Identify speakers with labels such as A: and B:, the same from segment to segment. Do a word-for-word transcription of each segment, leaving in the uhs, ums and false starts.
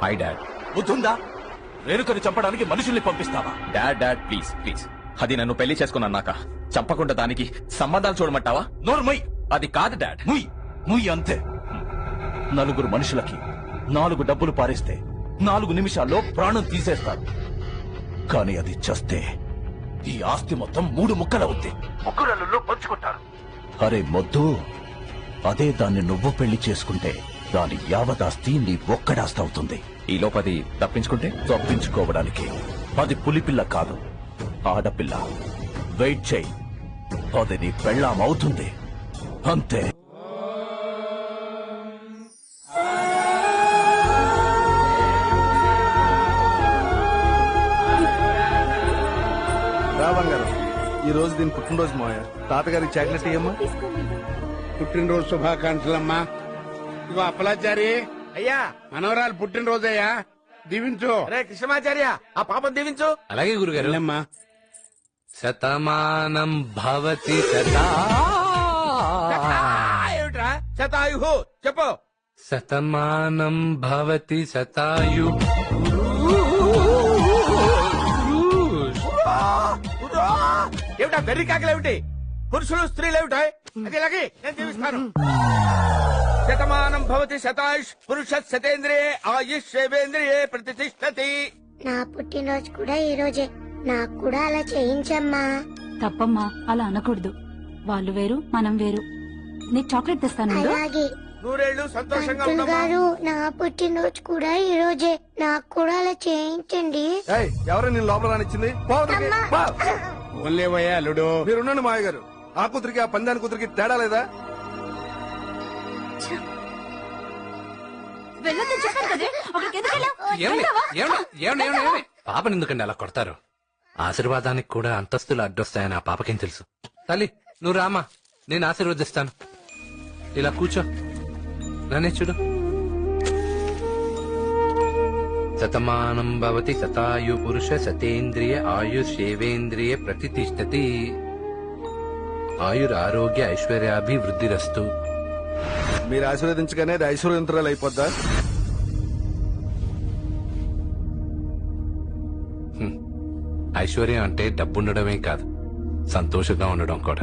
A: Hi dad.
B: బుద్ధుందా? రేణుకని చంపడానికి మనుషుల్ని పంపిస్తావా?
A: డాడ్ డాడ్ ప్లీజ్ ప్లీజ్, అది నన్ను పెళ్లి చేసుకున్నాక చంపకుండా దానికి సంబంధాలు చూడమంటావా?
B: నోర్మయ్.
A: అది కాదు డాడ్.
B: ముయ్ ముయ్ అంతే. నలుగురు మనుషులకి నాలుగు డబ్బులు పారేస్తే నాలుగు నిమిషాల్లో ప్రాణం తీసేస్తారు. కానీ అది చస్తే ఈ ఆస్తి మొత్తం మూడు ముక్కలవుద్ది. ముగ్గురల్లో పంచుకుంటారు. అరే మొద్దు, అదే దాన్ని నువ్వు పెళ్లి చేసుకుంటే దాని యావదాస్తి నీ ఒక్కడాస్తి అవుతుంది.
A: ఈ లోపది తప్పించుకుంటే?
B: తప్పించుకోవడానికి అది పులిపిల్ల కాదు, ఆడపిల్ల. వెయిట్ చేయి, అది నీ పెళ్ళాం అవుతుంది అంతే.
C: రాబంగారు, ఈ రోజు దీని పుట్టినరోజు మావయ్య. తాతగారికి చాక్లెట్ ఇయ్యమ్మా.
D: పుట్టినరోజు శుభాకాంక్షలమ్మా. ఇగో అప్పలాచారి
E: అయ్యా,
D: మనవరాలు పుట్టినరోజయ్యా, దీవించు.
E: రే కృష్ణమాచార్య, ఆ పాపం దీవించు.
F: అలాగే గురుగారు.
D: వెళ్ళమ్మా.
F: శతమానం భవతి శతా
E: ఏమిట్రా శతాయు? చెప్పు.
F: శతమానం భవతి శతాయు.
E: ఏమిటా బెర్రి కాకలేమిటి? పురుషులు స్త్రీలు ఏమిటా? అది ఇలాగే నేను దీవిస్తాను. శతమానం భవతి శతాయుష్ పురుష శతేంద్రియే ఆయుష్ శేవేంద్రియే ప్రతిష్టతి.
G: నా పుట్టినరోజు కూడా ఈ రోజే, నాకు కూడా అలా చేయించమ్మా.
H: తప్పమ్మా, అలా అనకూడదు. వాళ్ళు వేరు, మనం వేరు. నీకు చాక్లెట్ తెస్తాను.
G: అలాగే
E: నూరేళ్లు సంతోషంగా
G: పంతులు
E: ఉండమ్మా.
G: గారు, నా పుట్టినరోజు కూడా ఈ రోజే, నాకు కూడా అలా చేయించండి.
C: ఏయ్, ఎవరు నేను లోపల రానిచ్చింది?
D: ఓన్లేవయ్యా అల్లుడు.
C: మీరున్నాను మావయ్య గారు. ఆ కూతురికి ఆ పందాని కూతురికి తేడా లేదా?
F: పాపని ఎందుకండి అలా కొడతారు? ఆశీర్వాదానికి కూడా అంతస్తులు అడ్డొస్తాయని ఆ పాపకేం తెలుసు? తల్లి, నువ్వు రామా, నేను ఆశీర్వదిస్తాను. ఇలా కూర్చో, నన్నే చూడు. శతమానం భవతి శతాయు పురుష శతేంద్రియ ఆయుషేవేంద్రియ ప్రతిష్టతి. ఆయుర్ ఆరోగ్య ఐశ్వర్యాభివృద్ధిరస్తు.
C: మీరు ఆశీర్వదించగానే అది ఐశ్వర్యంతరాలు అయిపోద్దా?
F: ఐశ్వర్యం అంటే డబ్బుండడమే కాదు, సంతోషంగా ఉండడం కూడా.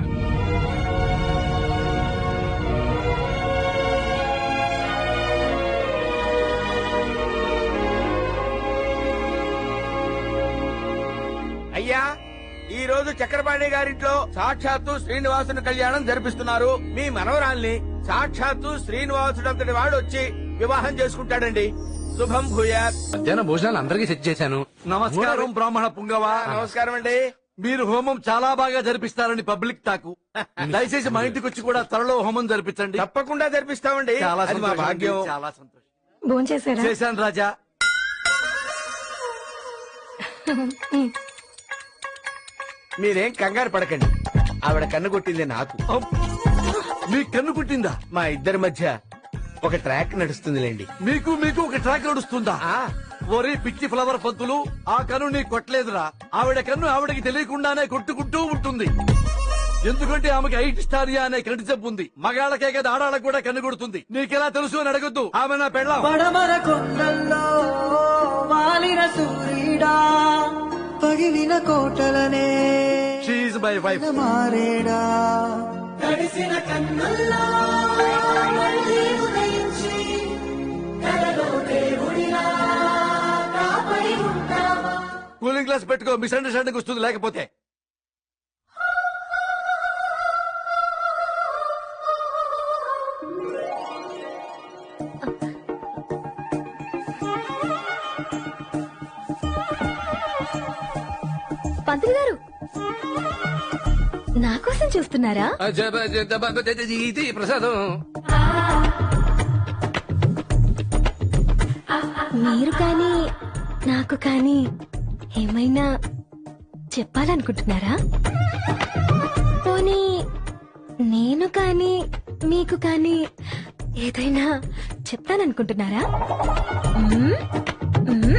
E: అయ్యా, ఈ రోజు చక్రపాణి గారింట్లో సాక్షాత్తు శ్రీనివాసుని కళ్యాణం జరిపిస్తున్నారు. మీ మనవరాల్ని సాక్షాత్తు శ్రీనివాసుడంతటి వాడు వచ్చి వివాహం చేసుకుంటాడండి. శుభం భూయాత్.
F: మధ్యాహ్న భోజనాలు అందరికీ సెట్ చేశాను.
B: నమస్కారం బ్రాహ్మణ పుంగవా.
E: నమస్కారం అండి.
B: మీరు హోమం చాలా బాగా జరిపిస్తారని పబ్లిక్ టాకు. దయచేసి మా ఇంటికి వచ్చి కూడా త్వరలో హోమం జరిపించండి.
E: తప్పకుండా జరిపిస్తామండి.
B: చాలా
E: అది మా
B: సంతోషం,
E: భాగ్యం.
B: చాలా సంతోషం.
H: భోంచేశారా?
B: చేశాను రాజా.
E: మీరేం కంగారు పడకండి, ఆవిడ కన్ను కొట్టింది నాకు.
B: మీ కన్ను పుట్టిందా?
E: మా ఇద్దరి మధ్య ఒక ట్రాక్ నడుస్తుందిలేండి.
B: మీకు మీకు ఒక ట్రాక్ నడుస్తుందా?
E: ఆ
B: ఒరే పిచ్చి ఫ్లవర్ పంతులు, ఆ కన్ను నీ కొట్టలేదురా. ఆవిడ కన్ను ఆవిడకి తెలియకుండానే కొట్టుకుంటూ ఉంటుంది. ఎందుకంటే ఆమెకి ఐట్ స్టారియా అనే కంటి జబ్బు ఉంది. మగాళ్ళకే కదా ఆడాళ్ళకు కూడా కన్ను కొడుతుంది. నీకెలా తెలుసు అని అడగొద్దు. ఆమె నా పెళ్ళాం.
I: పడమర కొండల్లో వాలిన సూర్యుడా, పగిలిన కోటలనే
B: షీఈ్ మై వైఫ్.
I: మారేడా, తడిసిన కన్నుల్లో మళ్ళీ ఉదయించి కలలో దేవుడిలా కాపరి ఉంటావా.
B: కూలింగ్ గ్లాస్ పెట్టుకో, మిస్అండర్స్టాండింగ్ వస్తుంది లేకపోతే.
H: పంతులు గారు, నా కోసం చూస్తున్నారా?
F: ఇది ప్రసాదం.
H: మీరు కానీ నాకు కానీ ఏమైనా చెప్పాలనుకుంటున్నారా? పోనీ నేను కానీ మీకు కానీ ఏదైనా చెప్తాననుకుంటున్నారా? మ్మ్? మ్మ్?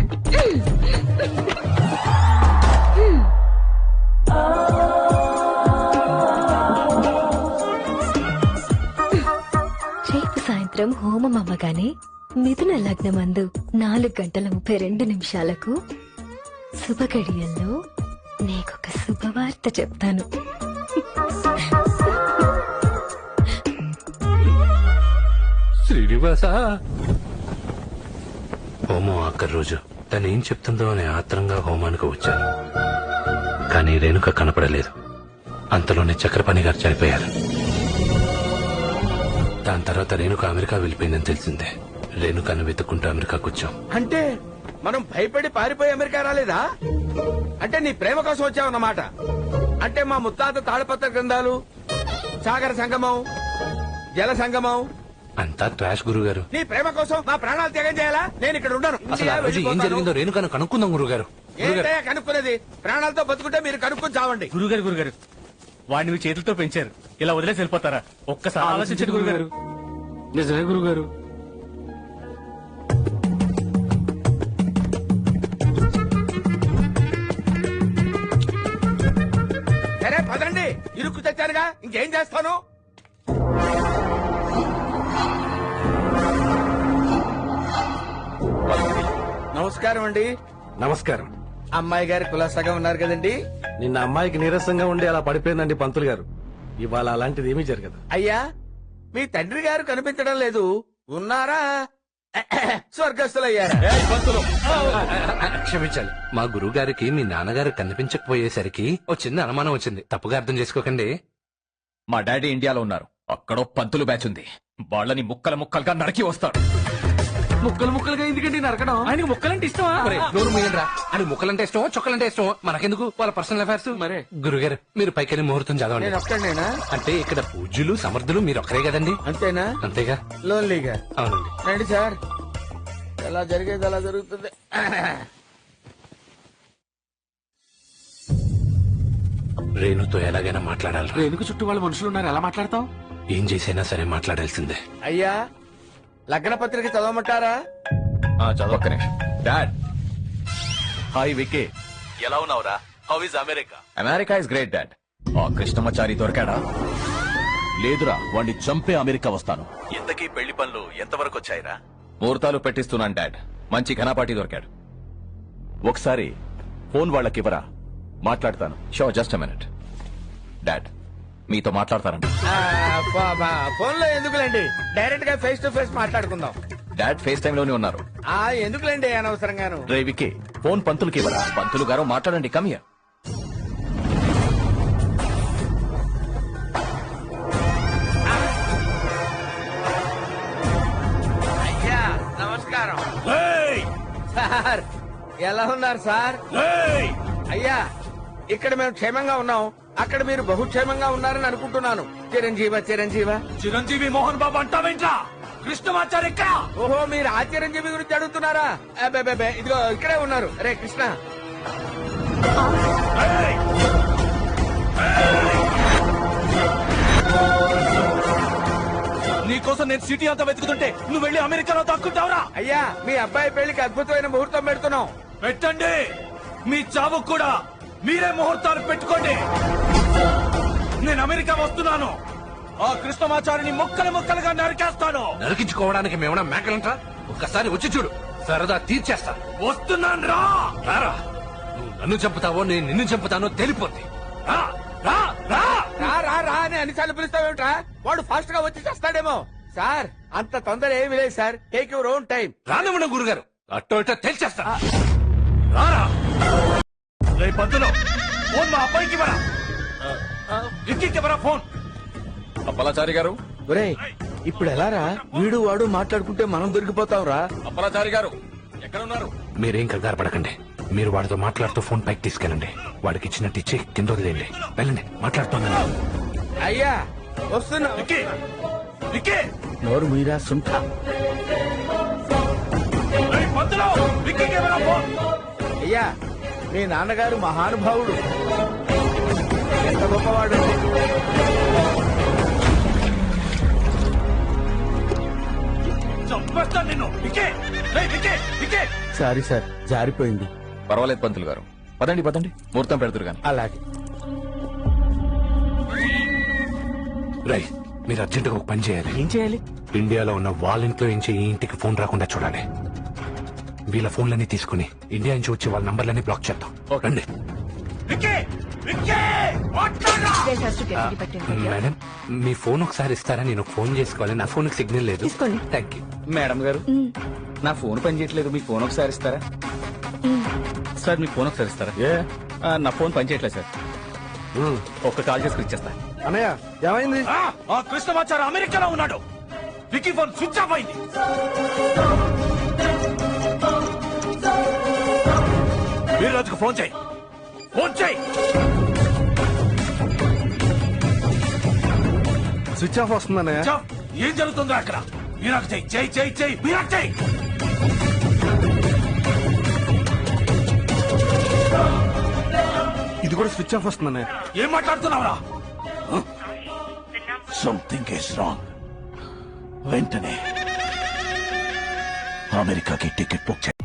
H: రేపు సాయంత్రం హోమం అవ్వగానే
J: మిథున లగ్నమందు నాలుగు గంటల ముప్పై రెండు నిమిషాలకు శుభగడియల్లో నీకొక శుభవార్త చెప్తాను.
F: శ్రీనివాస హోమం ఆఖరి రోజు తను ఏం చెప్తుందో అని ఆత్రంగా హోమానికి వచ్చాను. కానీ రేణుక కనపడలేదు. అంతలోనే చక్రపాణి గారు చనిపోయారు. దాని తర్వాత రేణుక అమెరికా వెళ్ళిపోయిందని తెలిసిందే. రేణుకను వెతుక్కుంటూ అమెరికాకు వచ్చాం.
E: అంటే మనం భయపడి పారిపోయి అమెరికా రాలేదా? అంటే నీ ప్రేమ కోసం వచ్చావన్నమాట. అంటే మా ముత్తాత తాళపత్ర గ్రంథాలు, సాగర సంగమం, జల సంగమం
F: అంతా ట్రాష్ గురుగారు.
E: నీ ప్రేమ కోసం మా ప్రాణాలు త్యాగం చేయాలా? నేను ఇక్కడ ఉండను.
F: అసలు ఆ రోజు ఏం జరిగిందో రేణుకను కనుక్కుందాం గురుగారు.
E: ఏంటయ్యా కనుక్కునేది? ప్రాణాలతో బతుకుంటే మీరు కనుక్కుని చావండి.
K: గురుగారు గురుగారు వాడిని మీ చేతులతో పెంచారు, ఇలా వదిలేసి వెళ్ళిపోతారా? ఒక్కసారి ఆలోచించండి గురుగారు.
E: నిజమే గురుగారు. సరే పదండి, ఇరుక్కు తెచ్చానుగా ఇంకేం చేస్తాను. నమస్కారం అండి.
K: నమస్కారం.
E: అమ్మాయి గారి కులాసాగా ఉన్నారు కదండి?
K: నిన్న అమ్మాయికి నీరసంగా ఉండి అలా పడిపోయిందండి పంతులు గారు. ఇవాళ అలాంటిది ఏమీ జరగదు.
E: అయ్యా, మీ తండ్రి గారు కనిపించడం లేదు. ఉన్నారా? స్వర్గస్థులయ్యారా?
F: క్షమించాలి. మా గురువు గారికి మీ నాన్నగారు కనిపించకపోయేసరికి ఓ చిన్న అనుమానం వచ్చింది. తప్పుగా అర్థం చేసుకోకండి.
A: మా డాడీ ఇండియాలో ఉన్నారు. అక్కడో పంతులు బ్యాచ్ ఉంది. వాళ్ళని ముక్కల ముక్కలుగా నరికి వస్తాడు.
E: ముక్కలు ముక్కలుగా ఎందుకండి నరకడం?
K: ఆయనకి ముక్కలంటే ఇష్టమా?
F: ఒరేయ్, నోరు మూయండిరా. అని ముక్కలంటే ఇష్టమో చొక్కలంటే ఇష్టమో మనకెందుకు, వాళ్ళ పర్సనల్ అఫైర్స్.
E: మరే
F: గురుగారు మీరు పైకెళ్ళి ముహూర్తం చదవండి.
E: నేను ఒక్కడేనా?
F: అంటే ఇక్కడ పూజ్యులు సమర్థులు మీరు ఒక్కరే కదండి.
E: అంతేనా?
F: అంతేగా.
E: లోన్లీగా.
F: అవునండి.
E: రండి సార్, ఎలా జరిగేది అలా జరుగుతుంది.
F: రేణుతో ఎలాగైనా మాట్లాడాలి.
E: ఎందుకు చుట్టూ వాళ్ళ మనుషులు ఉన్నారు, ఎలా మాట్లాడతాం?
F: ఏం చేసైనా సరే మాట్లాడాల్సిందే.
E: అయ్యా, లగ్న పత్రిక చదవమంటారా?
A: చదవక్క నిమిషం. డాడ్,
B: హాయ్ వికే, ఎలా ఉన్నావురా? How is America?
A: America is great dad. ఆ కృష్ణమాచారి దొరికాడా?
B: లేదురా, వాణ్ణి చంపే అమెరికా వస్తాను. ఇంతకీ పెళ్లి పనులు ఎంతవరకు వచ్చాయిరా?
A: ముహూర్తాలు పెట్టిస్తున్నాను డాడ్. మంచి ఘనపాటి దొరికాడు.
B: ఒకసారి ఫోన్ వాళ్ళకివ్వరా, మాట్లాడతాను.
A: So just a minute. Dad, మీతో మాట్లాడతారంట.
E: ఫోన్ లో ఎందుకులేండి, డైరెక్ట్ గా ఫేస్ టు ఫేస్ మాట్లాడుకుందాం.
A: డాడ్ ఫేస్ టైమ్ లోనే ఉన్నారు.
E: ఆ ఎందుకులేండి అనవసరంగాను.
B: రే వికే, ఫోన్ పంతులకి ఇవ్వరా.
A: పంతులు గారు మాట్లాడండి. Come here.
E: అయ్యా నమస్కారం. సార్ ఎలా ఉన్నారు సార్? అయ్యా, ఇక్కడ మేము క్షేమంగా ఉన్నాం, అక్కడ మీరు బహుక్షేమంగా ఉన్నారని అనుకుంటున్నాను. చిరంజీవ చిరంజీవ
B: చిరంజీవి మోహన్ బాబు అంటావేంట్రా? కృష్ణమాచారి ఎక్కడ?
E: ఓహో, మీరు ఆ చిరంజీవి గురించి అడుగుతున్నారా? అబ్బే, ఇదిగో ఇక్కడే ఉన్నారు. రే కృష్ణ,
B: నీకోసం నేను సిటీ అంతా వెతుకుతుంటే నువ్వు వెళ్ళి అమెరికాలో దాక్కుంటావురా?
E: అయ్యా, మీ అబ్బాయి పెళ్లికి అద్భుతమైన ముహూర్తం పెడుతున్నాం.
B: పెట్టండి. మీ చావు కూడా మీరే ముహూర్తాలు పెట్టుకోండి. నేను అమెరికా వస్తున్నాను. ఆ కృష్ణమాచారిని ముక్కలు ముక్కలుగా నరికేస్తాను.
F: నరికించుకోవడానికి మేమన్నా మేకలంటా? ఒక్కసారి వచ్చి చూడు, సరదా తీర్చేస్తా.
B: వస్తున్నాను రా.
F: రారా, నువ్వు నన్ను చంపుతావో నేను నిన్ను చంపుతానో తెలిపోద్ది.
B: రా రా రా
E: రా రా రా అని అన్నిసార్లు పిలుస్తావేమిట్రా? వాడు ఫాస్ట్ గా వచ్చి చేస్తాడేమో. సార్, అంత తొందర ఏమీ లేదు sir. Take your own time.
F: రానివ్వండి గురుగారు, అట్టో ఇట్టో తెలిచేస్తా. రారా.
B: రే పంతులు, ఫోన్ మా అబ్బాయికి ఇవ్వరా. ఇంటికి ఇవ్వరా ఫోన్.
A: అప్పలాచారి గారు.
E: ఒరేయ్, ఇప్పుడు ఎలా రా? వీడు వాడు మాట్లాడుకుంటే మనం దొరికిపోతాం రా.
A: అప్పలాచారి గారు ఎక్కడ ఉన్నారు?
F: మీరేం కంగారు పడకండి. మీరు వాడితో మాట్లాడుతూ ఫోన్ పైకి తీసుకెళ్ళండి. వాడికి ఇచ్చినట్టు ఇచ్చి కింద వదిలేయండి. వెళ్ళండి, మాట్లాడుతున్నాను.
E: అయ్యా వస్తున్నా.
B: విక్కీ, విక్కీ.
E: నోరు మీరా సుంఠ.
B: రే పంతులు, విక్కీకి ఇవ్వరా ఫోన్.
E: అయ్యా, మీ నాన్నగారు మహానుభావుడు, ఎంత గొప్పవాడు.
B: చంపేస్తాను నిన్ను. విక్కీ, రే విక్కీ, విక్కీ.
E: సారీ సార్, జారిపోయింది.
A: పర్వాలేదు పంతులు గారు, పదండి పదండి, ముహూర్తం పెడతారు గాని.
E: అలాగే.
F: రై, మీరు అర్జెంటుగా ఒక పని చేయాలి.
E: ఏం చేయాలి?
F: ఇండియాలో ఉన్న వాళ్ళ ఇంట్లో నుంచి ఈ ఇంటికి ఫోన్ రాకుండా చూడాలి. వీళ్ళ ఫోన్లన్నీ తీసుకుని ఇండియా నుంచి వచ్చి వాళ్ళ నంబర్లన్నీ బ్లాక్ చేద్దాం. రండి. మేడం మీ ఫోన్ ఒకసారి ఇస్తారా? నేను ఫోన్ చేసుకోవాలి. నా ఫోన్ సిగ్నల్ లేదు. Thank you.
A: మేడం గారు నా ఫోన్ పని చేయట్లేదు, మీ ఫోన్ ఒకసారి ఇస్తారా?
K: సార్ మీ ఫోన్ ఒకసారి ఇస్తారా?
A: ఏ
K: ఆ, నా ఫోన్ పనిచేయట్లేదు సార్. ఒక్క కాల్ చేసుకుని ఇచ్చేస్తా.
C: అన్నయ్య ఏమైంది?
B: ఆ కృష్ణమాచారి అమెరికాలో ఉన్నాడు. వికీ ఫోన్ స్విచ్ ఆఫ్ అయింది. వీర్రాజుకు ఫోన్ చేయి. ఫోన్ చేయి.
C: స్విచ్ ఆఫ్ వస్తుంది అన్నయ్య.
B: చా, ఏం జరుగుతుందో అక్కడ? వీరాకు చెయ్యి చెయ్యి చెయ్యి చెయ్యి వీరాకు చెయ్యి.
C: ఇది కూడా స్విచ్ ఆఫ్ వస్తుంది అన్నయ్య.
B: ఏం మాట్లాడుతున్నావురా? Something is wrong. వెంటనే అమెరికాకి టికెట్ బుక్ చేయి.